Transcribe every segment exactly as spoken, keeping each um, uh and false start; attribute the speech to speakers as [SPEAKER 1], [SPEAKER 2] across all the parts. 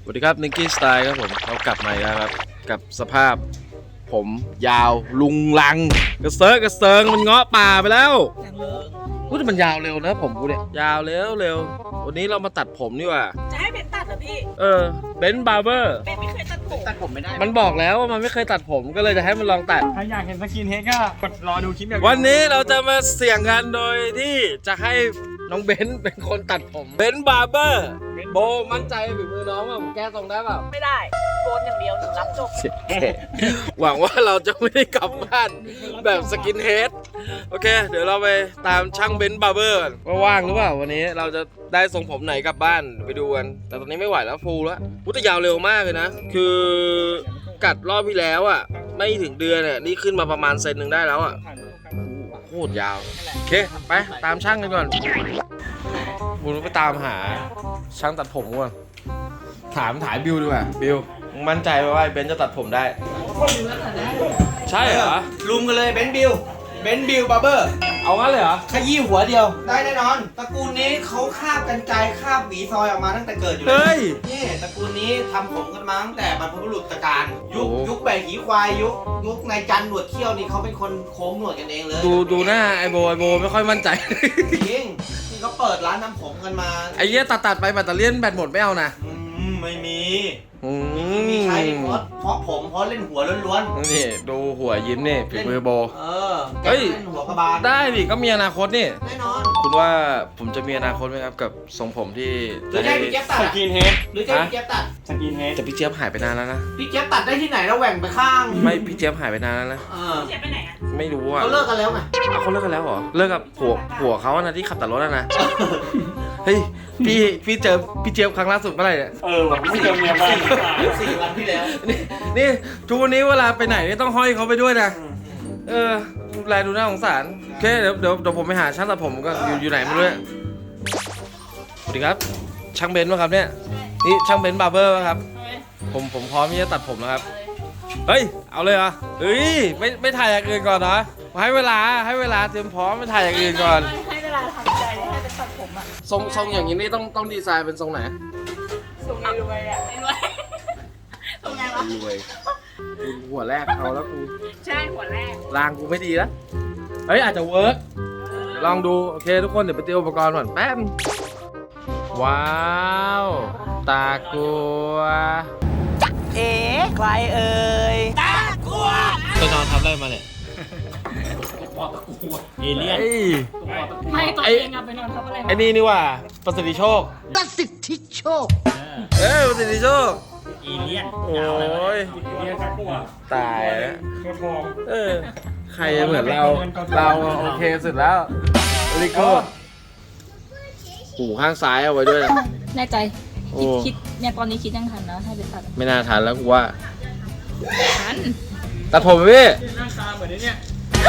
[SPEAKER 1] วัสดีครับนิกกี้สไตล์ครับผมเรากลับมาแล้วครับกับสภาพผมยาวลุงลังกระเซิร์กระเซิงมันเงาะป่าไปแล้วพูดมันยาวเร็วนะผมกูเนี่ยยาวเร็วเร็ววันนี้เรามาตัดผมนี่ว่า
[SPEAKER 2] จะให้เบนตัดเหรอพี่
[SPEAKER 1] เออเบนบาร์เบอร์
[SPEAKER 2] เบนไม่เคยตัดผม
[SPEAKER 3] ตัดผมไม่ได้
[SPEAKER 1] มันบอกแล้วว่ามันไม่เคยตัดผมก็เลยจะให้มันลองตัด
[SPEAKER 3] ถ้าอยากเห็นสกินเฮดก็กดรอดูคลิปแบบ
[SPEAKER 1] วันนี้เราจะมาเสี่ยงกันโดยที่จะให้น้องเบนเป็นคนตัดผมเบนบาร์เบอร์โบมั่นใจฝีมือน้องว่าผมแก้ทรงได้เปล่า
[SPEAKER 2] ไม่ได้โกนอย่างเดียวหนูรับจบ
[SPEAKER 1] หวังว่าเราจะไม่ได้กลับบ้านแบบสกินเฮดโอเคเดี๋ยวเราไปตามช่างเบนบาร์เบอร์ว่าว่างหรือเปล่าวันนี้เราจะได้ทรงผมไหนกลับบ้านไปดูกันแต่ตอนนี้ไม่ไหวแล้วฟูลแล้วพุทธยาวเร็วมากเลยนะคือกัดรอบที่แล้วอ่ะไม่ถึงเดือนเนี่ยนี่ขึ้นมาประมาณเซนหนึ่งได้แล้วอ่ะโคตรยาวโอเคไปตามช่างกันก่อนบุญไปตามหาช่างตัดผมก่อนถามถ่ายบิวดีกว่าบิวมึงมั่นใจว่าเบนจะตัดผมได้ใช่เหรอ
[SPEAKER 3] ลุมกันเลยเบนบิลเบนบิลบาร์เบอร์
[SPEAKER 1] เอางั้นเลยเหรอ
[SPEAKER 3] ขยี้หัวเดียวได้แน่นอนตระกูลนี้เขาคาบกันไกรคาบหวีซอยออกมาตั้งแต่เกิดอยู่เลยนี่ตระกูลนี้ทำผมกันมาตั้งแต่บรรพบุรุษตะการยุคยุคแบกหีควายยุคยุคนายจันหนวดเขี้ยวนี่เขาเป็นคนโค้งหนวดกันเองเลย
[SPEAKER 1] ดูดูหน้าไอโบไอโบไม่ค่อยมั่นใจ
[SPEAKER 3] จริงนี่เขาเปิดร้านทำผมกันมา
[SPEAKER 1] ไอ้เหี้ยตัดตัดไปแบตเตอรี่แบตหมดไม่เอานะ
[SPEAKER 3] ไม่มี
[SPEAKER 1] มี
[SPEAKER 3] ใช้เพราะเพราะผมเพราะเล่นหัวล้วน
[SPEAKER 1] ๆนี่ดูหัวยิ้มนี่ฝีมือโบ
[SPEAKER 3] เออเฮ้ยหัวกระบาล
[SPEAKER 1] ได้ดิก็มีอนาคตนี่
[SPEAKER 3] แน่นอน
[SPEAKER 1] คุณว่าผมจะมีอนาคตไหมครับกับทรงผมที่
[SPEAKER 3] หรือจะพี่เจี๊ยบตัดสกินเฮดหรือจะพี่เจี๊ยบตัดสกินเฮด
[SPEAKER 1] แต่พี่เจี๊ยบหายไปนานแล้วนะ
[SPEAKER 3] พี่เจี๊ยบตัดได้ที่ไหนแล้วแหว่งไปข้าง
[SPEAKER 1] ไม่พี่เจี๊ยบหายไปนานแล้วนะ
[SPEAKER 2] พี่เจี๊ยบไปไหนอ่ะ
[SPEAKER 1] ไม่รู้อ่ะ
[SPEAKER 3] เขาเลิกกันแล้วไง
[SPEAKER 1] เขาเลิกกันแล้วเหรอเลิกกับผัวผัวเขานะที่ขับแต่รถนะเฮ้ยพี่พี่เจอพี่เจี๊ยบครั้งล่าสุดเมื่อไหร่เนี่ย
[SPEAKER 3] เออแบบไม่เจอเมียมาสี่วันที่แล้ว
[SPEAKER 1] นี่นี่ทุกวันนี้เวลาไปไหนต้องห้อยเขาไปด้วยนะเออดูแลดูน่าสงสารโอเคเดี๋ยวเดี๋ยวเดี๋ยวผมไปหาช่างตัดผมก็อยู่อยู่ไหนไม่รู้สวัสดีครับช่างเบนซ์ป่ะครับเนี่ยนี่ช่างเบนซ์บาร์เบอร์ป่ะครับผมผมพร้อมที่จะตัดผมแล้วครับเฮ้ยเอาเลยเหรอเฮ้ยไม่ไม่ถ่ายอย่างอื่นก่อนเหรอให้เวลาให้เวลาเตรียมพร้อมไม่ถ่ายอย่างอื่นก่อน
[SPEAKER 2] ให้เวลาทำใจให้เป็นตัดผมอ่ะ
[SPEAKER 1] ทรงทรงอย่างนี้นี่ต้องต้องดีไซน์เป็นทรงไหน
[SPEAKER 2] ทรงไงรวยอ่ะรวยทรงไงวะ
[SPEAKER 1] รวยหัวแรกเอาแล้วกู
[SPEAKER 2] ใช่หัวแรก
[SPEAKER 1] รางกูไม่ดีแล้วเฮ้ยอาจจะเวิร์กลองดูโอเคทุกคนเดี๋ยวไปเตรียมอุปกรณ์ก่อนแป๊บว้าวตากลัว
[SPEAKER 2] เอ๋ใครเอ่ยตากลัว
[SPEAKER 1] ไปนอนทำอะไรมาเนี่ย
[SPEAKER 3] ปอตะกัวเอเลี่ยน
[SPEAKER 2] ไม่ตัวเองอะไปนอนทำอะไร
[SPEAKER 1] ไอ้นี่นี่ว่าประสิทธิโชค
[SPEAKER 4] ประสิทธิโชค
[SPEAKER 1] เอ้ยประสิทธิโชค
[SPEAKER 3] เอเลี่ยน
[SPEAKER 1] โอ้ยตายแล้วเออใครเหมือนเราเราโอเคสุดแล้วลิโก้หูข้างซ้ายเอาไว้ด้วย
[SPEAKER 2] แน่ใจคิดคิดเนี่ยตอนนี้คิดยังทันนะให้ไปตัด
[SPEAKER 1] ไม่น่าทันแล้วกูว่า
[SPEAKER 2] ทัน
[SPEAKER 1] ตัดผมพี่
[SPEAKER 3] หน้าตาเหมือนเนี่ย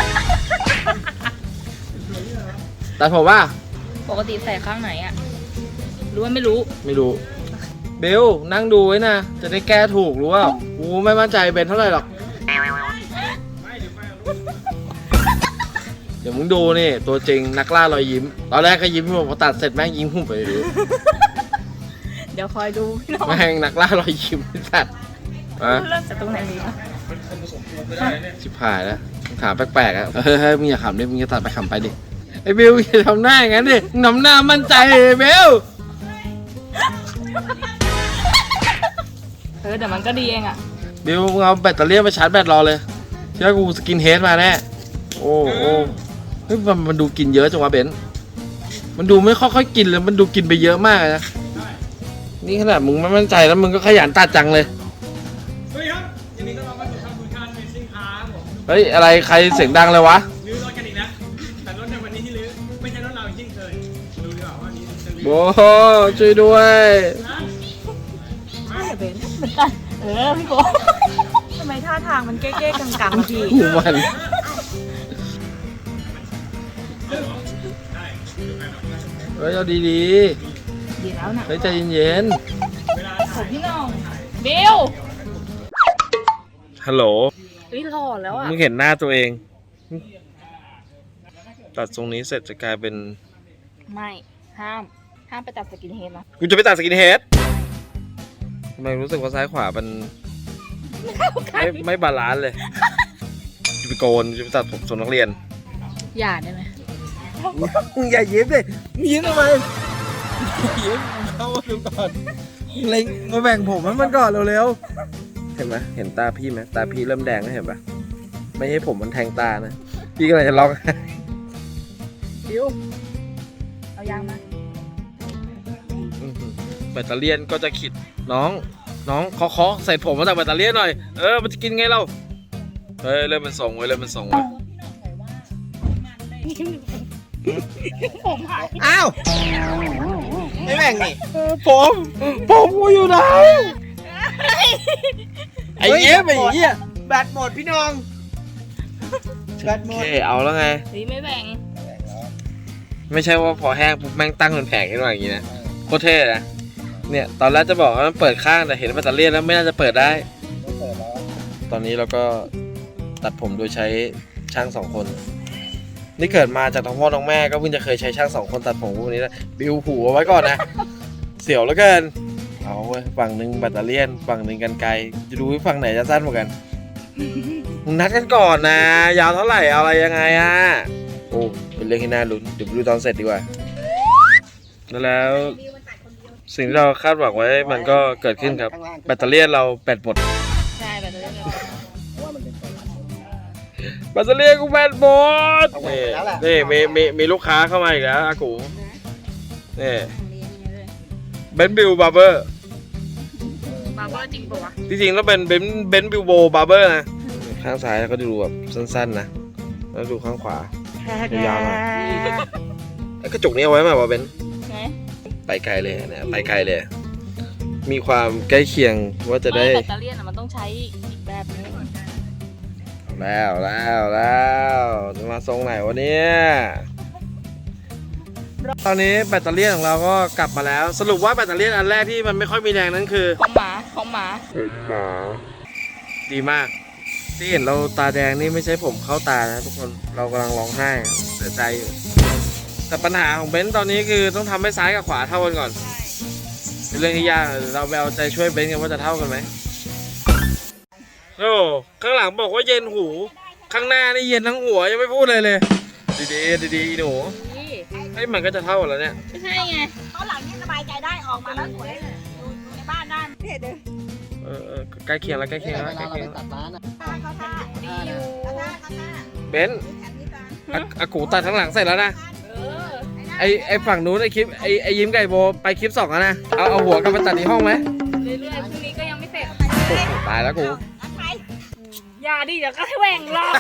[SPEAKER 1] ตัดผมว่า
[SPEAKER 2] ปกติใส่ข้างไหนอ่ะรู้ว่าไม่รู้
[SPEAKER 1] ไม่รู้เบลนั่งดูไว้นะจะได้แก้ถูกรู้ว่ากูไม่มั่นใจเบนเท่าไหร่หรอกเดี๋ยวมึงดูนี่ตัวจริงนักล่ารอยยิ้มตอนแรกก็ยิ้มพอตัดเสร็จแม่งยิ้มหุ่มไปเลย
[SPEAKER 2] เดี๋ยวคอยดู
[SPEAKER 1] แม่งนักล่ารอยยิ้มสัตว์
[SPEAKER 2] อ่ะเริ่มจากตรงไหนดีวะ
[SPEAKER 1] ชิบหายแล้วถามแปลกๆอ่ะเฮ้ยเฮ้ยมึงอย่าขำดิมึงจะตัดไปขำไปดิไอ้เบลอย่าทำหน้าอย่างนั้นดิทำหน้ามั่นใจเบล
[SPEAKER 2] เออเดี๋ยวมันก็ดีเองอ่ะ
[SPEAKER 1] เบลมึงเอาแบตเตอรี่ไปชาร์จแบตรอเลยเชื่อกูสกินเฮดมาแน่โอ้โอ้เฮ้ยมันมันดูกินเยอะจังวะเบนมันดูไม่ค่อยๆกินเลยมันดูกินไปเยอะมากนะนี่ขนาดมึงไม่มั่นใจแล้วมึงก็ขยันตัดจังเลย
[SPEAKER 3] เฮ้ยครับยินดีต้อนรับเข้าสู่ทางคุณการเมซิ่งคาร์ผม
[SPEAKER 1] เฮ้ยอะไรใครเสียงดังเลยวะ
[SPEAKER 3] ลื้อรถกันอีกนะแต่รถในวันนี้ที่ลื้อไม่ใช่รถเราจริงเคยดูดีกว่าว่านี้จะลื้อ
[SPEAKER 1] โอ้โหช่วยด้วย
[SPEAKER 2] ไม่เป็นเหมือนกันเออพี่โก้ทำไมท่าทางมันเก๊ๆกังๆพี่
[SPEAKER 1] หูมันเฮ้ยเอาดี
[SPEAKER 2] ๆดีแล้วนะ
[SPEAKER 1] เฮ้ยใจเย็น
[SPEAKER 2] ๆผมพี่น้องเบล
[SPEAKER 1] ฮัลโหล
[SPEAKER 2] เฮ้ยหล่อแล้วอ่ะ
[SPEAKER 1] มึงเห็นหน้าตัวเองตัดทรงนี้เสร็จจะกลายเป็น
[SPEAKER 2] ไม่ห้ามห้ามไปตัดสกินเฮดนะ
[SPEAKER 1] กูจะไปตัดสกินเฮดทำไมรู้สึกว่าซ้ายขวามันไม่ไม่บาลานซ์เลยจะไปโกนจะไปตัดผมทรงนักเรียน
[SPEAKER 2] อย่าได้ไหม
[SPEAKER 1] มึงอย่ายิ้มดิมึงยิ้มทำไมยิ้มเข้ามาดูก่อนเล็งมาแบ่งผมให้มันก่อนเร็วๆเห็นไหมเห็นตาพี่ไหมตาพี่เริ่มแดงแล้วเห็นปะไม่ให้ผมมันแทงตานะพี่ก็เลยจะร้อง
[SPEAKER 2] ดิวเอายางมา
[SPEAKER 1] แบตเตอรี่ก็จะขิดน้องน้องเคาะๆใส่ผมมาจากแบตเตอรี่หน่อยเออมันจะกินไงเราเฮ้ยเริ่มมันส่งไว้เริ่มมันส่งไว้
[SPEAKER 2] ผมหาย
[SPEAKER 3] อ้าวไม่แบ่งนี่
[SPEAKER 1] ผมผมกูอยู่ไหนไอ้เหี้ยไอ้เหี้ย
[SPEAKER 3] แบตหมดพี่น้องแบตหม
[SPEAKER 1] โอ
[SPEAKER 3] ด
[SPEAKER 1] เคเอาแล้วไง
[SPEAKER 2] เฮ้ยไม่แบ่ง
[SPEAKER 1] ไม่ใช่ว่าพอแห้งปุ๊บแม่งตั้งเป็นแผงขึ้นมาอย่างนี้นะโคตรเท่นะเนี่ยตอนแรกจะบอกว่ามันเปิดข้างแต่เห็นแบตเตอรี่แล้วไม่น่าจะเปิดได้ตอนนี้เราก็ตัดผมโดยใช้ช่างสองคนนี่เกิดมาจากท้องพ่อท้องแม่ก็เพิ่งจะเคยใช้ช่างสองคนตัดผมพวกนี้นะบิวหูเอาไว้ก่อนนะ เสียวเหลือเกินเอาเว้ยฝั่งหนึ่งแบตเตอรี่ฝั่งหนึ่งกันไกลจะดูว่าฝั่งไหนจะสั้นกว่ากันมึงนัดกันก่อนนะยาวเท่าไหร่เอาอะไรยังไงอ่ะโอ้เป็นเรื่องที่น่าลุ้นเดี๋ยวไปดูตอนเสร็จดีกว่าแล้วสิ่งที่เราคาดหวังไว้มันก็เกิดขึ้นครับแบตเตอรี่เราแบตหมด
[SPEAKER 2] ใช่แบบนี้
[SPEAKER 1] แบตเตอรี่กูแบตหมดนี่นี่มีมีมีลูกค้าเข้ามาอีกแล้วอากูนี่เบนบิลบาร์เบอร์
[SPEAKER 2] บาร์เบอร์จริงปะวะ
[SPEAKER 1] จริงๆแล้วเป็นเบนเบนบิลโบบาร์เบอร์นะข้างซ้ายก็ดูแบบสั้นๆนะแล้วดูข้างขวายาวๆหน่อยไอ้กระจกนี้เอาไว้ไหมวะเบน
[SPEAKER 2] ไง
[SPEAKER 1] ไปไกลเลยนะไปไกลเลย มีความใกล้เคียงว่าจะได้
[SPEAKER 2] แบตเตอรี่มันต้องใช้อีกแบบนึง
[SPEAKER 1] แล้วแล้วแล้วจะมาทรงไหนวะเนี่ยตอนนี้แบตเตอรี่ของเราก็กลับมาแล้ว สรุปว่าแบตเตอรี่อันแรกที่มันไม่ค่อยมีแรงนั้นคือ
[SPEAKER 2] ของหมาของหมา
[SPEAKER 1] ดีมาก ที่เห็นเราตาแดงนี่ไม่ใช่ผมเข้าตานะทุกคนเรากำลังร้องไห้เสียใจอยู่แต่ปัญหาของเบนซ์ตอนนี้คือต้องทำให้ซ้ายกับขวาเท่ากันก่อนเป็นเรื่องที่ยากเราไปเอาใจช่วยเบนซ์กันว่าจะเท่ากันไหมโอ้ข้างหลังบอกว่าเย็นหูข้างหน้านี่เย็นทั้งหัวยังไม่พูดเลยเลยดีๆดีๆหนู
[SPEAKER 2] นี่
[SPEAKER 1] ไอ้มันก็จะเท่ากันแล้วเนี่ย
[SPEAKER 2] ไม่ใช่ไงเขาหลังนี่สบายใจได้ออกมาแล้วสวยดูในบ้านได้เด็ด
[SPEAKER 1] เออเออใกล้เคียงแล้วใกล้เคียงแล้วใกล้เคียงแล้ว
[SPEAKER 2] เขาท่าดีอยู่
[SPEAKER 1] เบนซ์อะอากูตัดข้างหลังเสร็จแล้วนะ
[SPEAKER 2] เออ
[SPEAKER 1] ไอไอฝั่งนู้นไอคลิปไอไอยิ้มไก่โบไปคลิปสองแล้วนะเอาเอาหัวกลับไปตัดที่ห้องไหม
[SPEAKER 2] เรื่อยๆพรุ่งนี้ก็ยังไม่เสร็จ
[SPEAKER 1] โอ้โหตายแล้วกู
[SPEAKER 2] อย่าดิเดี๋ยวก็ให้แหว่งหรอก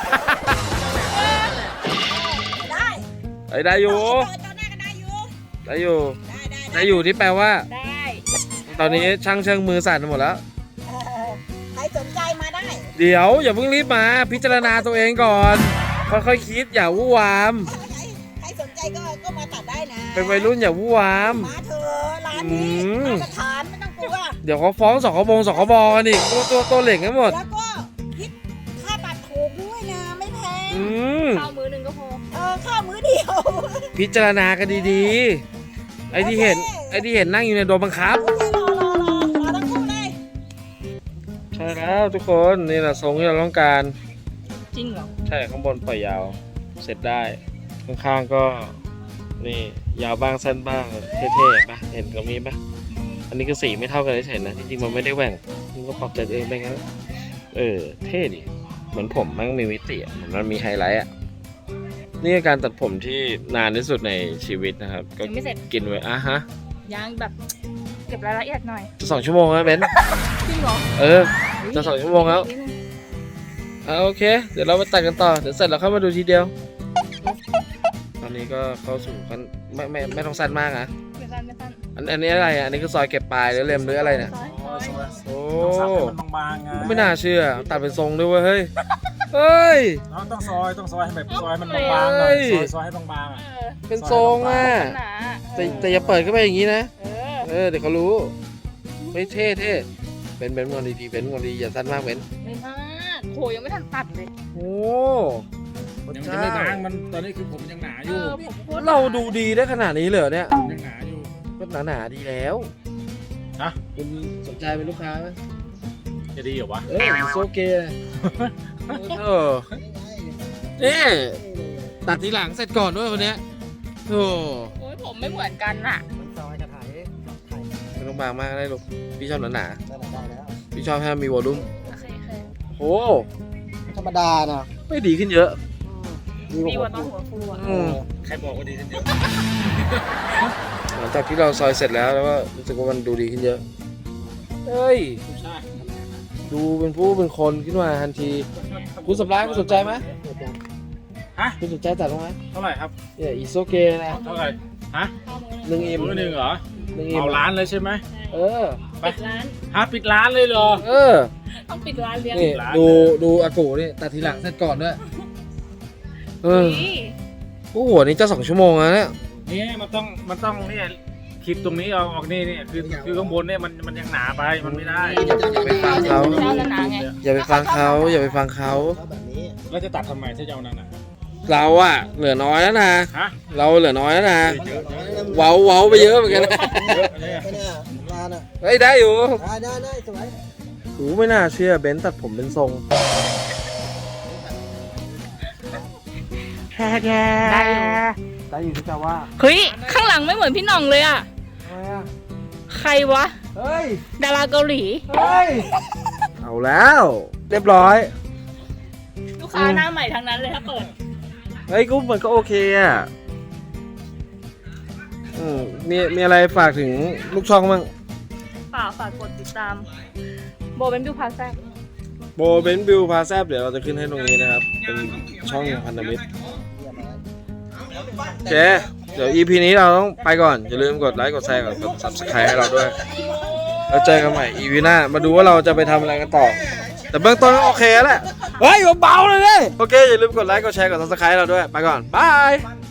[SPEAKER 4] ได้
[SPEAKER 1] ไอได้อยู่
[SPEAKER 4] เจ้าหน้าก็ได้อยู่
[SPEAKER 1] ได้อยู่
[SPEAKER 4] ได้ได้
[SPEAKER 1] ได้อยู่ที่แปลว่า
[SPEAKER 2] ได้
[SPEAKER 1] ตอนนี้ช่างเชิงมือสั่นหมดแล้ว
[SPEAKER 4] เออใครสนใจมาได้
[SPEAKER 1] เดี๋ยวอย่าเพิ่งรีบมาพิจารณาตัวเองก่อนค่อยๆคิดอย่าวู่วาม
[SPEAKER 4] ใครใครสนใจก็ก็มาตัดได้นะ
[SPEAKER 1] เป็นวัยรุ่นอย่าวู่วาม
[SPEAKER 4] มาเถอะร้านนี้
[SPEAKER 1] อืม
[SPEAKER 4] มาตรฐานไม่ต้องกลัว
[SPEAKER 1] เดี๋ยวเขาฟ้องสคบงสคบกันอีกตัวตัวตัวเหล่งกันหมด
[SPEAKER 4] แล้วก็คิดค่าตัดถูกด้วยนะไม่แพง
[SPEAKER 1] อืม
[SPEAKER 2] ข้าวมือหนึ่งก็พอ
[SPEAKER 4] เออข้าวมื้อเดียว
[SPEAKER 1] พิจารณากันดีๆไอ้ที่เห็นไอ้ที่เห็นนั่งอยู่ในโดนบังคับ
[SPEAKER 4] โอเครอรอรอรอทั้งคู่เลย
[SPEAKER 1] ใช่แล้วทุกคนนี่แหละทรงที่เราต้องการ
[SPEAKER 2] จริงเหรอ
[SPEAKER 1] ใช่ข้างบนปล่อยยาวเสร็จได้ข้างๆก็นี่ยาวบ้างสั้นบ้างเท่ๆปะเห็นตรงนี้ปะอันนี้ก็สีไม่เท่ากันเฉยๆนะจริงๆมันไม่ได้แหว่งมันก็ปรับแต่เองไปงั้นเออเท่ดิเหมือนผมมันมีมิติอะเหมือนมันมีไฮไลท์อ่ะนี่คือการตัดผมที่นานที่สุดในชีวิตนะครับก็
[SPEAKER 2] ยังไม่เสร็จ
[SPEAKER 1] กินไว้อ่ะฮะ
[SPEAKER 2] ยังแบบเก็บรายละเอียดหน่อย
[SPEAKER 1] จะสองชั่วโมงแล้วเบนซ์
[SPEAKER 2] จริงเหรอ
[SPEAKER 1] เออ จะสองชั่วโมงแล้ว อ่าโอเค เดี๋ยวเราไปตัดกันต่อ เดี๋ยวเสร็จเราเข้ามาดูทีเดียว ตอนนี้ก็เข้าสู่กันไม่ไม่ไม่ต้องสั้นมากนะ
[SPEAKER 2] ไม่สั้นไม่สั้น
[SPEAKER 1] อันอันนี้อะไรอ่ะ อันนี้คือซอยเก็บปลายหรือเล็มหรืออะไรเนี่ย
[SPEAKER 2] ซอยซอย
[SPEAKER 1] โอ้
[SPEAKER 5] ต้องซับให้มันบางๆไง
[SPEAKER 1] ไม่น่าเชื่อ ตัดเป็นทรงด้วยเวยเฮ้ย เฮ้ย
[SPEAKER 5] เราต้องซอยต้องซอยให้แบบซอยให้มันบางๆหน่อย
[SPEAKER 1] เฮ้ย
[SPEAKER 5] ซอยซอยให้บางๆอ่ะ
[SPEAKER 2] เออ
[SPEAKER 1] เป็นทรงอ่ะ
[SPEAKER 2] หนา
[SPEAKER 1] แต่แต่อย่าเปิดเข้าไปอย่างนี้นะ
[SPEAKER 2] เออ
[SPEAKER 1] เออ เดี๋ยวเขารู้เฮ้ยเท่เท่เป็นเป็นงอนดีๆเป็นงอนดีอย่าสั้นมากเป็น
[SPEAKER 2] ไม่มากโหยังไม่ทันตัดเลย
[SPEAKER 1] โอ้
[SPEAKER 5] ยังจะไม่บางมันตอนนี้คือผมยังหนาอ
[SPEAKER 2] เอยู่ อผมพูด
[SPEAKER 1] เราดูดีได้ขนาดนี้เลยเหรอเนี่ย
[SPEAKER 5] ผมยังหนาอยู่
[SPEAKER 1] ก็หนาๆดีแล้ว
[SPEAKER 5] ฮะ
[SPEAKER 1] โคุณสนใจเป็นลูกค้าไหม
[SPEAKER 5] จะดีเหรอวะ
[SPEAKER 1] เอ้ยโซเกะเออนี่ตัดทีหลังเสร็จก่อนด้วยวันเนี้ยโอ้
[SPEAKER 2] โอ้ยผมไม่เหมือนกันอ่ะ
[SPEAKER 3] ซอยจะถ่ายถ่าย
[SPEAKER 1] ไม่ต้องบางมากก็ได้ลูกพี่ชอบหนา
[SPEAKER 3] ได้แล้ว
[SPEAKER 1] ๆพี่ชอบให้มีวอลลุ่ม
[SPEAKER 2] โอเคโอเค
[SPEAKER 1] โอ้
[SPEAKER 3] ธรรมดานะ
[SPEAKER 1] ไม่ดีขึ้นเยอะ
[SPEAKER 2] ดีกว่าตอนหัวฟูอ่ะ
[SPEAKER 1] อืม
[SPEAKER 5] ใครบอกว่าดีขึ้นเยอะ
[SPEAKER 1] หลังจากที่เราซอยเสร็จแล้วแล้วก็รู้สึกว่ามันดูดีขึ้นเยอะเฮ้ย
[SPEAKER 5] ใช่
[SPEAKER 1] ดูเป็นผู้เป็นคนขึ้นมาทันทีคุณสำรานคุณสนใจไหม
[SPEAKER 5] ฮะ
[SPEAKER 1] คุณสนใจตัดตรงไหม
[SPEAKER 5] เท่าไหร่ครับ
[SPEAKER 1] เนี่ยอีโซเกะนะ
[SPEAKER 5] เท่าไหร่ฮะ
[SPEAKER 1] หนึ่งเอ็ม
[SPEAKER 5] มือหนึ่งเหรอ
[SPEAKER 1] หนึ่งเอ็ม
[SPEAKER 5] เอาร้านเลยใช่ไหม
[SPEAKER 1] เออ
[SPEAKER 2] ปิดร้าน
[SPEAKER 5] ฮะปิดร้านเลยเหรอ
[SPEAKER 1] เออ
[SPEAKER 2] ต้องปิดร้านเลี้ยง
[SPEAKER 1] นี่
[SPEAKER 5] ร้าน
[SPEAKER 1] ดูดูอากูนี่ตัดทีหลังเสร็จก่อนด้วยเออ
[SPEAKER 2] นี่
[SPEAKER 1] โอ้โหนี่จะสองชั่วโมงแล้วเนี่ย
[SPEAKER 5] เนี่ยมันต้องมันต้องเนี่ยคลิปตรงนี้เอาออกนี่เนี่ยคือคือข้างบนเนี่ยมันมันยังหนาไปมันไม่ได้
[SPEAKER 1] อย่าไปฟังเขา
[SPEAKER 2] เจ้าละนาไง
[SPEAKER 1] อย่าไปฟังเขาอย่าไปฟังเขา
[SPEAKER 3] แบบนี้
[SPEAKER 5] แล้วจะตัดทำไมถ้าจะเอานั่นอ่ะ
[SPEAKER 1] เราอะเหลือน้อยแล้วนะ
[SPEAKER 5] ฮะ
[SPEAKER 1] เราเหลือน้อยแล้วนะ
[SPEAKER 5] เยอะเยอะ
[SPEAKER 1] เว้าเว้าไปเยอะเหมือนกันนะ
[SPEAKER 5] เยอะเนี่ย
[SPEAKER 3] ไม่เนี่ยร้านอ่ะ
[SPEAKER 1] เฮ้ยได้อยู่
[SPEAKER 3] ได้ได้ได้สวย
[SPEAKER 1] โอ้ไม่น่าเชื่อเบนซ์ตัดผมเป็นทรงได้อยู่ได้อยู่ที่จะว่า
[SPEAKER 2] เฮ้ยข้างหลังไม่เหมือนพี่หน่องเลยอ่ะ
[SPEAKER 1] ทำไมอะ
[SPEAKER 2] ใครวะ
[SPEAKER 1] เฮ้ย
[SPEAKER 2] ดาราเกาหลี
[SPEAKER 1] เฮ้ยเอาแล้วเรียบร้อย
[SPEAKER 2] ลูกค้าหน้าใหม่ทั้งนั้นเลยถ้าเปิด
[SPEAKER 1] เฮ้ยกูมันก็โอเคอ่ะอืมมีมีอะไรฝากถึงลูกช่องบ้าง
[SPEAKER 2] เปล่าฝากกดติดตาม โบเป็นบิวพาแซ่บ
[SPEAKER 1] โบเบนบิวพาแซบเดี๋ยวเราจะขึ้นให้ตรงนี้นะครับ เป็นช่องพันธมิตรโอเค เดี๋ยว อี พี นี้เราต้องไปก่อน อย่าลืมกดไลค์ กดแชร์ กด ซับสไครบ์ ให้เราด้วย แล้วเจอกันใหม่ อี พี หน้า มาดูว่าเราจะไปทำอะไรกันต่อ แต่เบื้องต้นก็โอเคแล้วแหละ เฮ้ยเบาๆเลยเนี่ยโอเค อย่าลืมกดไลค์ กดแชร์ กด ซับสไครบ์ ให้เราด้วย ไปก่อน บาย